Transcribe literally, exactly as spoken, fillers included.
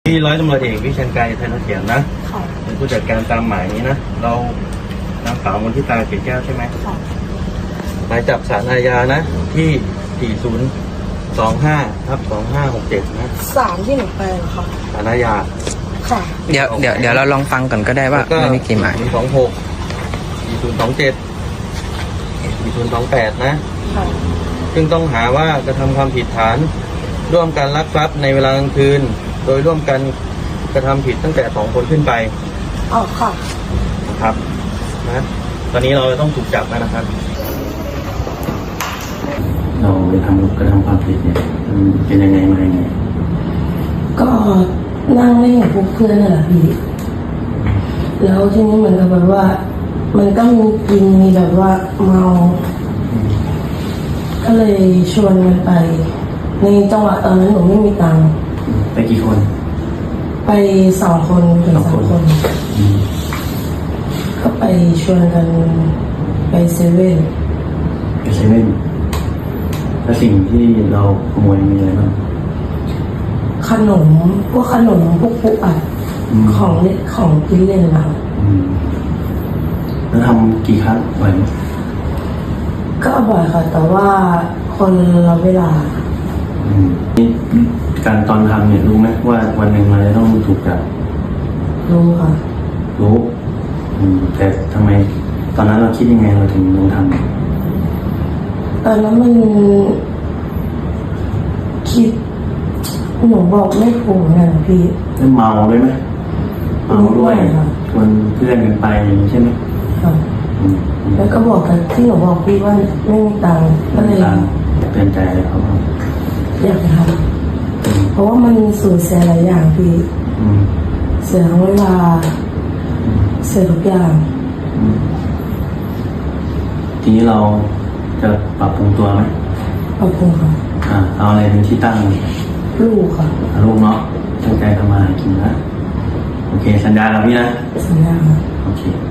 ที่ร้อยตำรวจเอกวิเชียรไกรไทยเขียนนะเป็นผู้จัดการตามหมายนี้นะเรานางสาวมนทิตาเกศแก้วใช่ไหมหมายจับศาลอาญานะที่สี่ศูนย์สองห้าทับสองห้าหกเจ็ดนะศาลที่หนูไปเหรอคะศาลอาญาค่ะเดี๋ยวเดี๋ยวเดี๋ยวเราลองฟังก่อนก็ได้ว่าไม่มีกี่หมายสองหกสี่ศูนย์สองเจ็ดสี่ศูนย์สองแปดนะซึ่งต้องหาว่ากระทำความผิดฐานร่วมกันลักทรัพย์ในเวลากลางคืนโดยร่วมกันกระทำผิดตั้งแต่สองคนขึ้นไปอ๋อค่ะครับนะตอนนี้เราต้องถูกจับแล้วนะครับเราไปทำกระทำความผิดเนี่ยมันเป็นยังไงมายังไงก็นั่งเล่นกับพวกเพื่อนน่ะแหละพี่แล้วทีนี้เหมือนกับแบบว่ามันก็มีกินมีแบบว่าเมาก็เลยชวนมันไปในจังหวะตอนนั้นหนูไม่มีตังค์ไปกี่คนไปสองคนถึงสามคนก็ไปชวนกันไปเซเว่นไปเซเว่นแล้วสิ่งที่เราขโมยมีอะไรบ้างขนมพวกขนมพวกปุ๊อัดของเล่นของกินเล่นเราแล้วทำกี่ครั้งบ่อยไหมก็บ่อยค่ะแต่ว่าคนละเวลาการตอนทำเนี่ยรู้ไหมว่าวันหนึ่งเราจะต้องถูกจับรู้ค่ะรู้แต่ทำไมตอนนั้นเราคิดยังไงเราถึงลงทำตอนนั้นมันคิดหนูบอกไม่ถูกนะพี่แล้วเมาด้วยไหมเมาด้วยชวนเพื่อนกันไปใช่ไหมค่ะแล้วก็บอกกันที่หนูบอกพี่ว่าไม่มีตังค์ก็เลยเตือนใจเลยครับอยากทำเพราะว่ามันสูญเสียหลายอย่างพี่เสียทั้งเวลาเสียทุกอย่างทีนี้เราจะปรับปรุงตัวไหมปรับปรุงค่ะอ่าเอาอะไรเป็นที่ตั้งลูกค่ะลูกเนาะตั้งใจทำมาหากินนะโอเคสัญญากับพี่นะสัญญาโอเค